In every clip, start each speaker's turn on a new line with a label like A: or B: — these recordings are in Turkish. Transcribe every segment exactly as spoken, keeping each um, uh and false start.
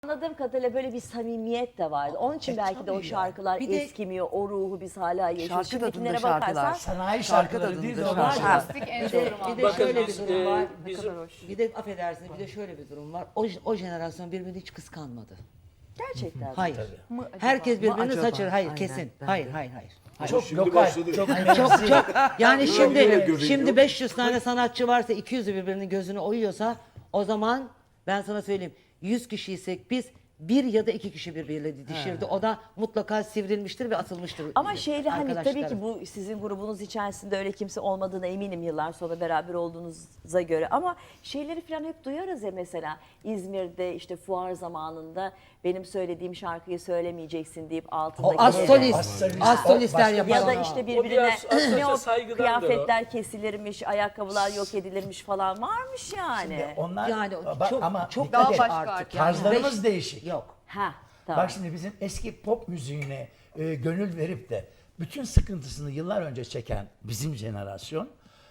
A: Anladığım kadarıyla böyle bir samimiyet de vardı. Onun için
B: E,
A: belki de o
B: tabii ya.
A: şarkılar
B: Bir de-
A: eskimiyor, o ruhu biz hala yaşıyoruz.
C: Şarkı
A: Şimdikilere
C: tadında şarkılar.
A: bakarsan
B: Sanayi
C: Şarkı
B: şarkıları değil de
C: tadında
B: o var.
C: şarkılar.
B: ya.
D: En
E: Bir de,
D: doğru
E: bir de
D: manada.
E: şöyle bir
F: biz,
E: durum
F: e,
E: var.
F: bizim-
E: Bir de affedersiniz bir de şöyle bir durum var. O, o jenerasyon birbirini hiç kıskanmadı.
A: gerçekten.
E: Hayır.
D: Mı acaba?
E: Herkes
C: Mı
E: birbirini
C: acaba?
E: saçır. Hayır
C: Aynen,
E: kesin.
C: ben
E: Hayır
C: de.
E: hayır hayır. hayır.
B: Çok
F: Şimdi
B: lokal,
F: başladı.
B: çok
E: Çok çok yani şimdi
F: göbeği
E: şimdi
F: yok.
E: beş yüz tane sanatçı varsa iki yüzü birbirinin gözünü oyuyorsa o zaman ben sana söyleyeyim yüz kişiysek biz bir ya da iki kişi birbiriyle didişirdi. O da mutlaka sivrilmiştir ve atılmıştır.
A: Ama şeyde hani tabii ki
E: arkadaşlarım.
A: bu sizin grubunuz içerisinde öyle kimse olmadığına eminim yıllar sonra beraber olduğunuza göre. Ama şeyleri falan hep duyarız ya, mesela İzmir'de işte fuar zamanında benim söylediğim şarkıyı söylemeyeceksin deyip
E: O
A: altındaki
E: astrolist,
B: Astrolist.
E: astrolistler
B: Başka-
E: yapar.
A: ya da
B: Aa.
A: işte
F: O
A: birbirine
F: biraz aslında
A: ne o
F: saygıdandır
A: kıyafetler kesilirmiş, ayakkabılar yok edilirmiş falan varmış yani.
B: Onlar
E: Yani
B: bak,
E: çok
B: ama
E: çok
B: dikkat
D: daha
B: et,
D: başka
E: artık.
D: artık.
E: Yani
B: tarzlarımız
E: beş-
B: değişik.
E: Yok.
A: Ha, tamam.
B: Bak şimdi bizim eski pop müziğine e, gönül verip de bütün sıkıntısını yıllar önce çeken bizim jenerasyon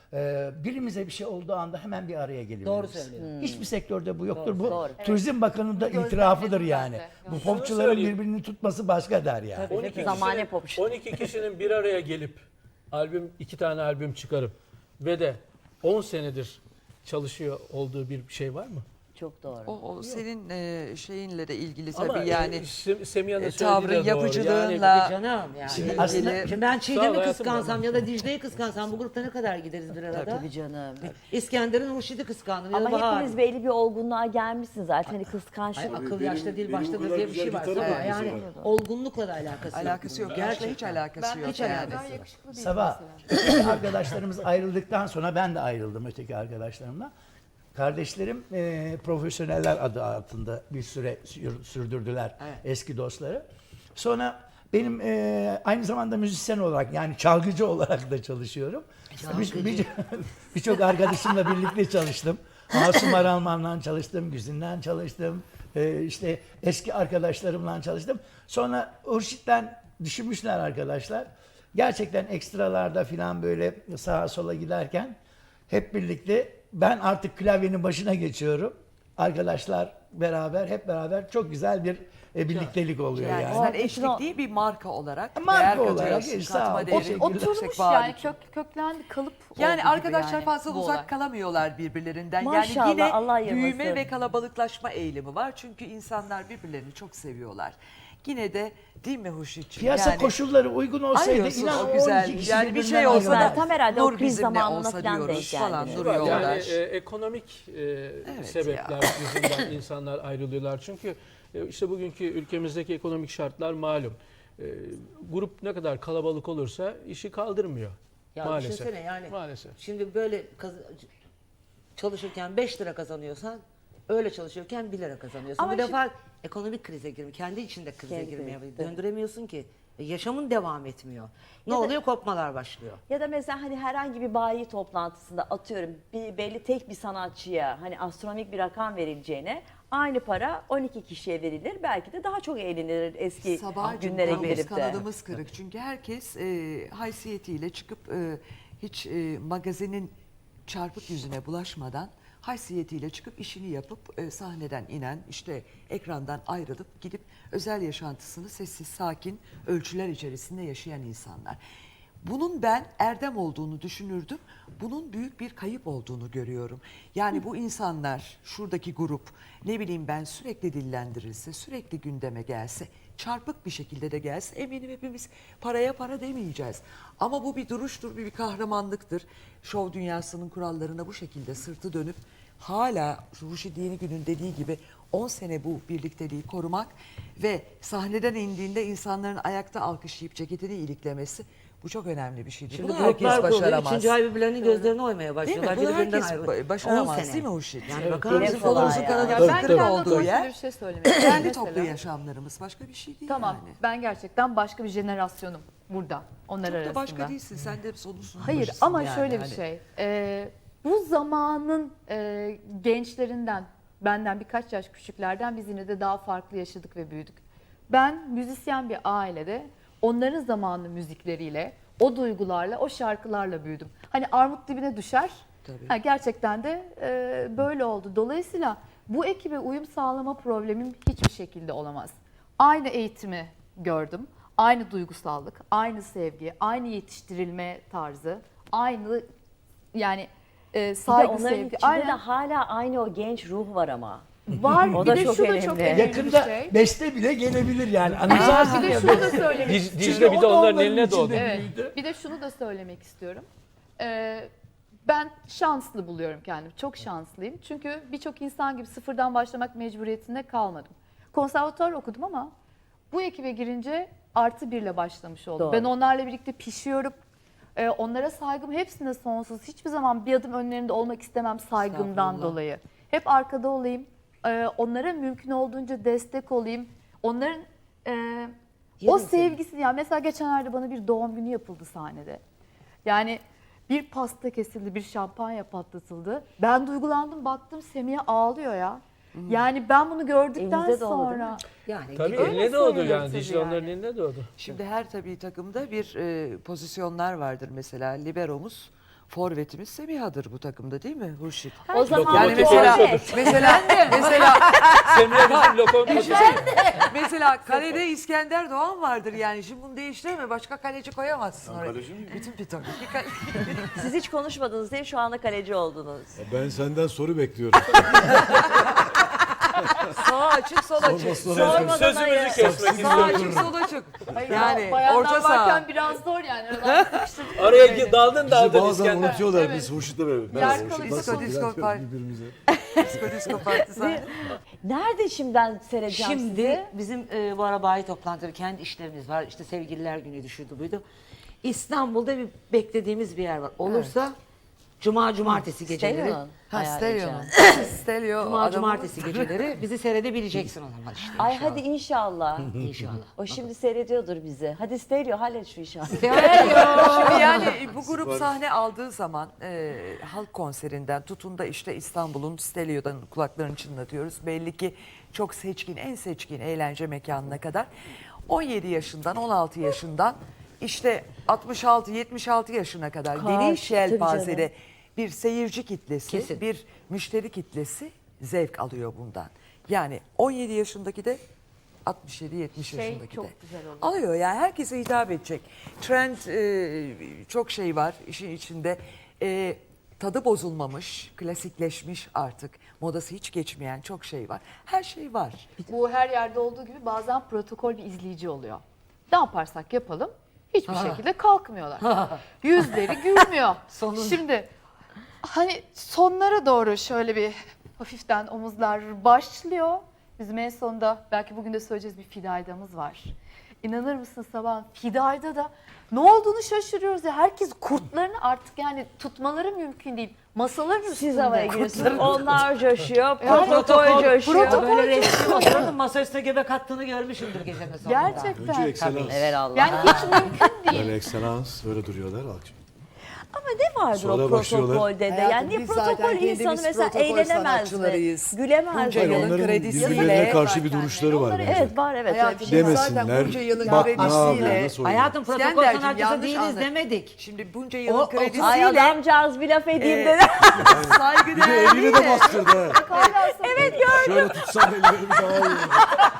B: e, birimize bir şey olduğu anda hemen bir araya geliyor.
E: Doğru söylüyorsun.
B: Hiçbir sektörde bu yoktur. bu
A: doğru.
B: Turizm Bakanı da itirafıdır yani. Bu popçuların
F: söyleyeyim.
B: birbirini tutması başka der yani.
A: Tabii.
F: on iki
A: Zamane
F: kişinin,
A: popçu.
F: on iki kişinin bir araya gelip albüm iki tane albüm çıkarıp ve de on senedir çalışıyor olduğu bir şey var mı?
A: Çok doğru.
C: O, o senin e, şeyinle de ilgili
F: Ama
C: tabii yani.
F: Sem- Semiha'nın
C: e,
F: söylediği
C: tavrın,
F: de doğru.
C: yapıcılığınla-
F: Yani
E: Canım yani.
B: Şimdi
C: ilgili-
B: aslında-
E: Şimdi ben
F: Sağ ol
E: Çiğdem'i
F: hayatım,
E: kıskansam
F: ama.
E: ya da Dicle'yi kıskansam bu grupta ne kadar gideriz bir arada?
A: Tabii canım.
E: İskender'in Hurşit'i kıskandım ya da
A: Ama
E: Bahar.
A: hepiniz belli bir olgunluğa gelmişsiniz zaten. Hani kıskançlık.
E: Ay, akıl
F: Benim-
E: yaşta değil
F: benim o
E: baştadır
F: kadar
E: diye bir şey
F: güzel
E: var.
F: gitarım
E: Sabah.
F: var
E: Yani
F: mesela.
E: olgunlukla da alakası yok.
C: Alakası yok.
E: bunun.
C: Gerçekten hiç
E: Gerçekten.
C: alakası yok
E: Hiç
C: yani.
E: alakası yok.
B: Sabah öteki arkadaşlarımız ayrıldıktan sonra ben de ayrıldım öteki arkadaşlarımla. Kardeşlerim e, profesyoneller adı altında bir süre sür- sürdürdüler
E: Evet.
B: eski dostları. Sonra benim e, aynı zamanda müzisyen olarak yani çalgıcı olarak da çalışıyorum. Bir- bir- Birçok arkadaşımla birlikte çalıştım. Asım Aralman'la çalıştım, Güzin'den çalıştım. E, işte eski arkadaşlarımla çalıştım. Sonra Hurşit'ten düşünmüşler arkadaşlar. Gerçekten ekstralarda falan böyle sağa sola giderken hep birlikte ben artık klavyenin başına geçiyorum. Arkadaşlar beraber hep beraber çok güzel bir e, birliktelik oluyor
C: Yani,
B: yani.
C: sen
A: O-
C: eşlik değil bir marka olarak
B: Marka
C: değer
B: olarak,
C: katıyorsun,
B: e, sağ ol.
C: katma
B: O-
C: değeri
B: Teşekkürler.
D: Oturmuş
C: yüksek vaat
D: yani
C: için.
D: kök, köklendi kalıp
C: Yani
D: oldu gibi
C: arkadaşlar
D: yani
C: fazla
D: bu
C: uzak
D: olay.
C: kalamıyorlar birbirlerinden.
A: Maşallah,
C: yani yine
A: Allah ayırmasın.
C: büyüme ve kalabalıklaşma eğilimi var. Çünkü insanlar birbirlerini çok seviyorlar. Yine de değil mi Hurşit'ciğim?
B: Piyasa
C: Yani
B: koşulları uygun olsaydı
C: arıyorsun
B: inan
C: o
B: o
C: güzel.
B: on iki kişi
C: Yani bir şey
B: birbirinden
C: olsa da
B: ayrılmaz.
A: Tam herhalde o
C: Nur
A: kriz
C: bizimle
A: zamanına
C: olsa
A: falan
C: diyoruz
A: denk
C: falan
A: geldi.
C: duruyorlar.
F: Yani e, ekonomik e, sebepler yüzünden insanlar ayrılıyorlar. Çünkü e, işte bugünkü ülkemizdeki ekonomik şartlar malum. E, grup ne kadar kalabalık olursa işi kaldırmıyor.
E: Ya
F: maalesef.
E: düşünsene yani.
F: Maalesef.
E: Şimdi böyle kaz- çalışırken beş lira kazanıyorsan öyle çalışırken bir lira kazanıyorsun.
A: Ama
E: Bu
A: şimdi-
E: defa ekonomik krize girmiyor. Kendi içinde krize
A: Kendi
E: girmeye
A: krizi,
E: döndüremiyorsun ki. E, Yaşamın devam etmiyor. Ne
A: Ya da-
E: oluyor? Kopmalar başlıyor.
A: Ya da mesela hani herhangi bir bayi toplantısında atıyorum bir belli tek bir sanatçıya hani astronomik bir rakam verileceğine aynı para on iki kişiye verilir. Belki de daha çok eğlenilir eski
C: Sabahcığım
A: günlere
C: kolumuz
A: gelip de.
C: kanadımız kırık. Çünkü herkes e, haysiyetiyle çıkıp e, hiç e, magazinin çarpık yüzüne bulaşmadan haysiyetiyle çıkıp işini yapıp e, sahneden inen işte ekrandan ayrılıp gidip özel yaşantısını sessiz sakin ölçüler içerisinde yaşayan insanlar. Bunun ben erdem olduğunu düşünürdüm. Bunun büyük bir kayıp olduğunu görüyorum. Yani bu insanlar, şuradaki grup ne bileyim ben sürekli dillendirilse, sürekli gündeme gelse, çarpık bir şekilde de gelse eminim hepimiz paraya para demeyeceğiz. Ama bu bir duruştur, bir, bir kahramanlıktır. Şov dünyasının kurallarına bu şekilde sırtı dönüp hala Ruşi Dini Gün'ün dediği gibi on sene bu birlikteliği korumak ve sahneden indiğinde insanların ayakta alkışlayıp ceketini iliklemesi bu çok önemli bir şeydir.
E: Şimdi
C: Bunu herkes
E: gruplar kuruluyor.
C: başaramaz.
E: Üçüncü ay birbirlerinin gözlerine oymaya
C: Değil mi?
E: başlıyorlar.
C: Bunu
E: Birbirinden
C: herkes
E: ayrı-
C: ba- başaramaz
E: on sene.
C: değil mi Hurşit?
E: Yani bakar
A: Dile
E: mısın?
A: kolay
C: Kolumuzun
A: ya.
C: kanadı
D: Ya
C: dört
D: ben
C: dört
D: kendi
C: olduğu
D: adıma
C: yer
D: şöyle bir şey söylemek istiyorum.
C: kendi
D: Mesela-
C: toplu yaşamlarımız başka bir şey değil
D: Tamam
C: yani.
D: ben gerçekten başka bir jenerasyonum burada onlar
C: Çok da
D: arasında.
C: başka değilsin. Sen de sonusun.
D: Hayır ama şöyle bir şey. e, bu zamanın e, gençlerinden, benden birkaç yaş küçüklerden biz yine de daha farklı yaşadık ve büyüdük. Ben müzisyen bir ailede onların zamanlı müzikleriyle, o duygularla, o şarkılarla büyüdüm. Hani armut dibine düşer.
C: Tabii.
D: Ha, gerçekten de e, böyle oldu. Dolayısıyla bu ekibe uyum sağlama problemim hiçbir şekilde olamaz. Aynı eğitimi gördüm, aynı duygusallık, aynı sevgi, aynı yetiştirilme tarzı, aynı yani e,
A: Bir de
D: saygı,
A: onların
D: sevgi.
A: içinde
D: Aynen.
A: de hala aynı o genç ruh var ama.
D: Var.
A: O
D: bir
A: da
D: de
A: çok
D: şu da
A: önemli.
D: çok önemli
B: Yakında
D: bir şey.
B: beste bile gelebilir yani.
D: Aa,
B: Anımsarsın
D: bir de
B: ya
D: şunu da
B: beste.
D: söylemek
F: Diz-
D: istiyorum.
F: Dicle bir de
B: o da
F: onların
B: onların
F: eline doğdu.
B: içinde.
D: Evet.
B: büyüdü.
D: Bir de şunu da söylemek istiyorum. Ee, ben şanslı buluyorum kendimi. Çok şanslıyım. Çünkü birçok insan gibi sıfırdan başlamak mecburiyetinde kalmadım. Konservatuvar okudum ama bu ekibe girince artı birle başlamış oldum.
A: Doğru.
D: Ben onlarla birlikte pişiyorum. Ee, onlara saygım hepsine sonsuz. Hiçbir zaman bir adım önlerinde olmak istemem saygımdan
C: Estağfurullah.
D: dolayı. Hep arkada olayım. Ee, onlara mümkün olduğunca destek olayım. Onların e, o sevgisi, yani mesela geçenlerde bana bir doğum günü yapıldı sahnede. Yani bir pasta kesildi, bir şampanya patlatıldı. Ben duygulandım, baktım Semiha ağlıyor ya. Yani ben bunu gördükten
A: Elinize doğdu, değil mi?
D: sonra
E: Yani
F: Tabii
D: Öyle
F: eline doğdu
D: söylüyorum
F: yani.
D: tabii
F: Dicle onların
D: yani.
F: eline doğdu.
C: Şimdi her tabii takımda bir e, pozisyonlar vardır mesela. Liberomuz, forvetimiz Semiha'dır bu takımda değil mi Hurşit?
A: O zaman
C: Yani
F: Lokomotif
C: mesela
F: oyuncudur.
C: mesela mesela
F: Semih bizim lokomotif.
C: mesela kalede İskender Doğan vardır yani. Şimdi bunu değiştirme, başka kaleci koyamazsın oraya.
G: kaleci miyim?
C: Bütün bir takım. Bir kale-
A: siz hiç konuşmadınız diye şu anda kaleci oldunuz.
G: Ben senden soru bekliyorum.
C: Sağ açık, sol açık.
G: Sorma,
A: Sormadan
F: Sözümüzü
A: ayır.
F: kesmek
C: Sağ
F: istiyorum.
C: açık, sol açık.
D: Hayır,
C: Yani
D: bayanlar
C: orta saha.
D: varken biraz zor yani. Aradan sıkıştırdık
F: Araya
D: beni.
F: daldın
G: Bizi
F: daldın
G: bazen
F: İskender.
G: unutuyorlar.
D: Evet.
G: Biz Hurşit'le beraber.
D: Yer
G: Merhaba
D: kalıyor.
G: Hurşit. Nasılsın?
C: Disko, disko,
G: Bülent
C: pay-
G: birbirimize.
C: Disko disko partizan.
A: Nerede şimdi ben seyredeceğim
E: Şimdi
A: sizi?
E: bizim e, bu ara bayi toplantıları, kendi işlerimiz var. İşte sevgililer günü şuydu buydu. İstanbul'da bir beklediğimiz bir yer var. Olursa Cuma, Cumartesi geceleri.
A: Stelio'nun
C: Ha
A: ayarlayacağım.
C: Stelio. Stelio
E: Cuma,
C: adamı-
E: Cumartesi geceleri bizi seyredebileceksin o zaman işte.
A: Ay
E: inşallah.
A: hadi inşallah.
E: İnşallah.
A: O şimdi seyrediyordur bizi. Hadi Stelio hallet şu işi.
C: Şimdi yani bu grup sahne aldığı zaman e, halk konserinden tutun da işte İstanbul'un Stelio'dan kulaklarını çınlatıyoruz. Belli ki çok seçkin, en seçkin eğlence mekanına kadar on yedi yaşından on altı yaşından işte altmış altı yetmiş altı yaşına kadar
A: Kaç,
C: geniş
A: tabii
C: yelpazede
A: canım.
C: bir seyirci kitlesi,
E: Kesin.
C: bir müşteri kitlesi zevk alıyor bundan. Yani on yedi yaşındaki de altmış yedi yetmiş
D: Şey
C: yaşındaki
D: çok
C: de.
D: güzel oluyor.
C: Alıyor yani herkese hitap edecek. Trend e, çok şey var işin içinde. E, tadı bozulmamış, klasikleşmiş artık. Modası hiç geçmeyen çok şey var. Her şey var.
D: Bu her yerde olduğu gibi bazen protokol bir izleyici oluyor. Ne yaparsak yapalım hiçbir şekilde kalkmıyorlar. Yüzleri gülmüyor. Şimdi hani sonlara doğru şöyle bir hafiften omuzlar başlıyor. Bizim en sonunda belki bugün de söyleyeceğiz bir fidaydamız var. İnanır mısın sabah fidayda da ne olduğunu şaşırıyoruz ya. Herkes kurtlarını artık yani tutmaları mümkün değil. Masaların üstünde.
A: Siz havaya giriyorsunuz. Onlar coşuyor.
D: Yani
A: Protokol coşuyor.
D: protokol
E: Böyle resmi otururdum, masa üstüne göbek attığını görmüşümdür gecenin sonunda.
D: Gerçekten.
G: Önce ekselans.
A: Evet Allah.
D: Yani hiç mümkün değil.
G: Yani ekselans böyle duruyorlar. Alkış.
A: Ama ne vardır
G: Sonra
A: o
G: başlıyorlar.
A: protokolde de?
C: Hayatım,
A: Yani niye
C: biz zaten
A: protokol
C: kendimiz
A: insanı mesela
C: protokol
A: eğlenemez mi?
C: sanatçılarıyız.
A: Gülemez
C: Bunca
A: mi?
C: yılın
G: Onların
C: kredisiyle-
G: birbirlerine karşı bir
D: Yani
G: duruşları var
D: onları-
G: bence.
A: Evet var evet. öyle bir
C: Hayatım,
A: şey var.
C: zaten
G: Demesinler.
C: bunca yılın
G: Bak ne
C: kredisiyle-
G: yapıyor, nasıl oynuyor.
E: Hayatım protokol
C: İskenderciğim,
E: sanatçısı
C: yanlış
E: değiliz
C: anla-
E: demedik.
C: Şimdi bunca
E: O-
C: yılın
E: o-
A: Ay
C: kredisiyle
A: adamcağız bir laf edeyim
C: Ee,
A: dedi.
C: saygı
G: Bir de elini de bastırdı. ha.
D: Evet
G: Şöyle tutsam ellerimi daha iyi olur.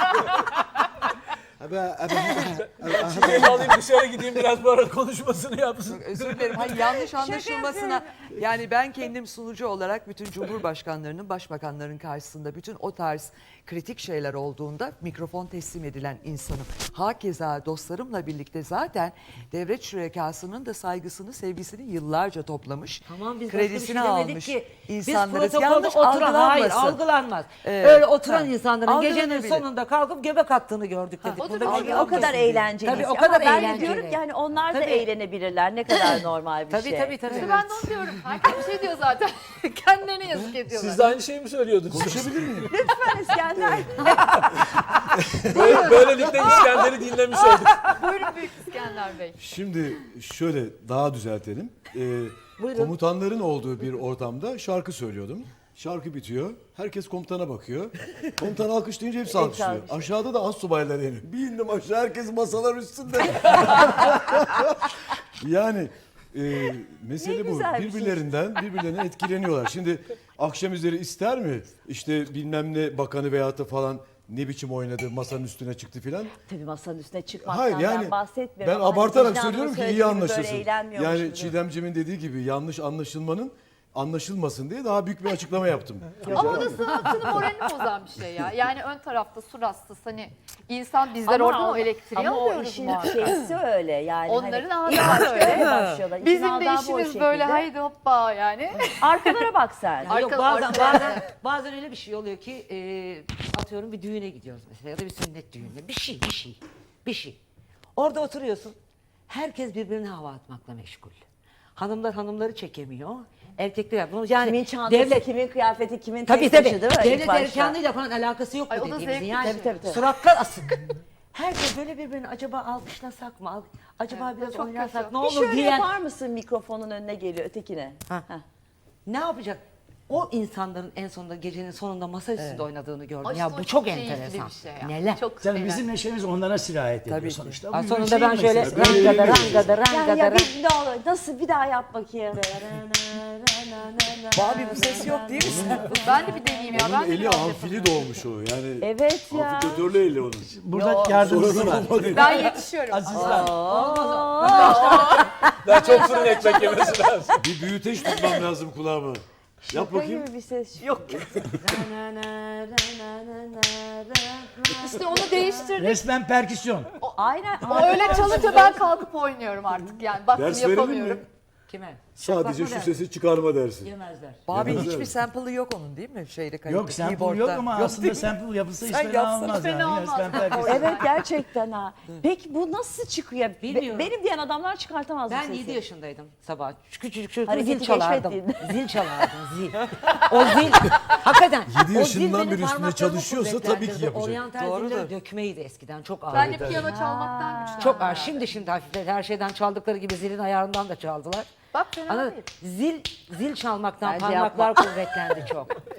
G: Abi, abi,
F: Çiçeği alayım dışarı gideyim biraz bu ara konuşmasını yapsın.
C: Özür dilerim. Hayır, yanlış anlaşılmasına. Yani ben kendim sunucu olarak bütün cumhurbaşkanlarının, başbakanların karşısında bütün o tarz kritik şeyler olduğunda mikrofon teslim edilen insanım. Hakeza dostlarımla birlikte zaten devlet şürekasının da saygısını, sevgisini yıllarca toplamış.
E: Tamam biz başka bir
C: kredisini
E: şey demedik
C: almış
E: ki.
C: insanlarız.
E: Biz protokolde
C: Yanlış
E: oturan, hayır
C: algılanmasın.
E: algılanmaz.
C: Evet,
E: Öyle oturan
C: ha,
E: insanların gecenin
C: algılanabilir.
E: sonunda kalkıp göbek attığını gördük dedik.
D: o da
E: Burada
D: bir
E: bir
A: Ay,
E: şey
A: o
E: yok
A: kadar
E: kesin.
A: eğlenceli.
E: Tabii o
A: Ama
E: kadar
A: ben de
E: eğlenceli.
A: diyorum ki yani onlar da
E: Tabii.
A: eğlenebilirler. Ne kadar normal bir
E: Tabii
A: şey.
E: tabii tabii.
D: İşte ben de onu diyorum. Herkes bir şey diyor zaten. Kendilerine yazık ediyorlar.
F: Siz de aynı şeyi mi söylüyordunuz?
G: konuşabilir miyim?
A: Lütfen İskender.
F: Böyle, böylelikle İskender'i dinlemiş olduk.
D: Buyurun Büyük İskender Bey.
G: Şimdi şöyle daha düzeltelim. Ee, komutanların olduğu bir ortamda şarkı söylüyordum. Şarkı bitiyor. Herkes komutana bakıyor. Komutan alkışlayınca hepsi alkışlıyor.
A: alkışlıyor.
G: Aşağıda da astsubaylar iniyor. Bir indim aşağı herkes masalar üstünde. Yani e, mesele
A: Ne
G: bu.
A: güzel bir şey.
G: Birbirlerinden birbirlerine etkileniyorlar. Şimdi akşam üzeri ister mi? İşte bilmem ne bakanı veyahut da falan ne biçim oynadı, masanın üstüne çıktı filan.
A: Tabii masanın üstüne çıkmaktan
G: Hayır yani
A: ben bahsetmiyorum.
G: ben
A: ama hani
G: abartarak
A: vicdanımın
G: söylüyorum ki iyi
A: söylediği gibi böyle
G: anlaşılsın.
A: eğlenmiyormuş
G: Yani
A: gibi.
G: Çiğdemcimin dediği gibi yanlış anlaşılmanın anlaşılmasın diye daha büyük bir açıklama yaptım.
D: Ama o da sanatçının moralini bozan bir şey ya. Yani ön tarafta su rastası hani insan bizler
A: Ama
D: oradan
A: o-
D: o elektriği
A: ama o
D: alıyoruz
A: işin
D: muhakkak.
A: şeysi öyle yani.
D: Onların
A: hani ilk
D: adabı
A: başta
D: öyle.
A: öyle başlıyorlar. İşin
D: Bizim de
A: adabı o
D: işimiz
A: şekilde.
D: böyle haydi hoppa yani.
A: Arkalara bak sen.
E: Ya yok
D: Arka-
E: bazen
D: arkada-
E: bazen bazen öyle bir şey oluyor ki e, atıyorum bir düğüne gidiyoruz mesela ya da bir sünnet düğününe bir şey bir şey bir şey. Orada oturuyorsun. Herkes birbirine hava atmakla meşgul. Hanımlar hanımları çekemiyor. Erkekler bunu yani
A: Kimin çantası,
E: devlet
A: kimin kıyafeti, kimin
E: tabii
A: tek
E: tabii
A: taşı değil mi? İlk
E: devlet
A: başta.
E: erkanlığıyla falan alakası yok
D: Ay,
E: bu
D: o da
E: dediğimizin.
D: zevkli
E: Yani
A: bir şey. Tabii, tabii.
E: suratlar asık. Herkes böyle birbirini acaba alkışlasak mı? Al- Acaba
D: Evet,
E: biraz
D: çok
E: oynasak
D: kötü.
E: ne
A: Bir
E: olur
A: şöyle
E: diyen.
A: yapar mısın mikrofonun önüne geliyor ötekine?
E: Ha.
A: Heh.
E: Ne yapacak? O insanların en sonunda gecenin sonunda masa üstünde oynadığını gördüm.
D: Ay,
E: ya
D: işte
E: bu
D: o
E: çok
D: keyifli
E: enteresan.
D: bir şey ya.
E: Neler?
D: Çok
B: Tabii
D: eğlenceli.
B: bizim neşemiz onlara sirayet ediyor
C: Tabii ki.
B: sonuçta.
E: Ha,
B: Bu
E: sonunda
B: şey
E: ben şöyle
B: meselesi.
E: rangada rangada
A: Yani
E: rangada
A: ya
E: rangada.
A: bir ne olur nasıl bir daha yap bakayım.
C: Babi bu ses yok değil mi?
D: Ben de bir deneyeyim ya.
G: Onun
D: Ben de
G: eli
D: biraz
G: amfili
D: yapayım.
G: doğmuş o. Yani
A: Evet ya.
G: amfiteatörlü eli onun.
B: Burada
A: Yok.
B: yardımcısı var.
D: Ben yetişiyorum.
B: Asistan.
F: Daha çok fırın ekmek yemesi lazım.
G: Bir büyüteç tutmam lazım kulağıma. Yap
A: Şaka
G: bakayım.
A: gibi bir ses yok.
D: İşte onu değiştirdik.
B: Resmen perküsyon.
A: Aynen.
D: O öyle çalınca ben kalkıp oynuyorum artık yani. Baktım
G: Ders verelim
D: yapamıyorum.
G: mi?
E: Kime?
G: Sadece şu sesi çıkarma dersi.
E: Yemezler.
C: Babi
G: Yemezler
C: hiçbir
G: mi?
C: sample'ı yok onun değil mi? Şeyde kayıt.
B: Yok sample
C: keyboard'da.
B: yok ama
C: Yok
B: aslında
C: değil mi?
B: sample yapılsa hiç
C: Sen
B: fena
C: yapsana.
B: olmaz.
D: Fena
B: yani.
D: olmaz.
B: Resmen perküsyon.
A: Evet gerçekten ha. Peki bu nasıl çıkıyor? Be-
E: Bilmiyorum.
A: benim diyen adamlar çıkartamaz bu
E: Ben
A: sesi.
E: yedi yaşındaydım sabah. Küçücük çocuk
A: Hareketi
E: zil çalardım.
A: keşfettin.
E: Zil çalardım zil. O zil hakikaten.
G: Yedi
E: o zil
G: yaşından
E: benim
G: beri üstünde
E: parmaklarımı
G: çalışıyorsa tabii ki
E: kuvvetlendirdi.
G: yapacak.
E: Oryantal
C: Doğrudur.
E: ziller dökmeydi eskiden çok ağırdı.
D: Ben de piyano çalmaktan güçlendim.
E: Çok ağır. Şimdi şimdi hafifledi. Her şeyden çaldıkları gibi zilin ayarından da çaldılar.
D: Bak fena
E: Anladın?
D: değil.
E: Zil zil çalmaktan
A: Bence
E: parmaklar kuvvetlendi çok.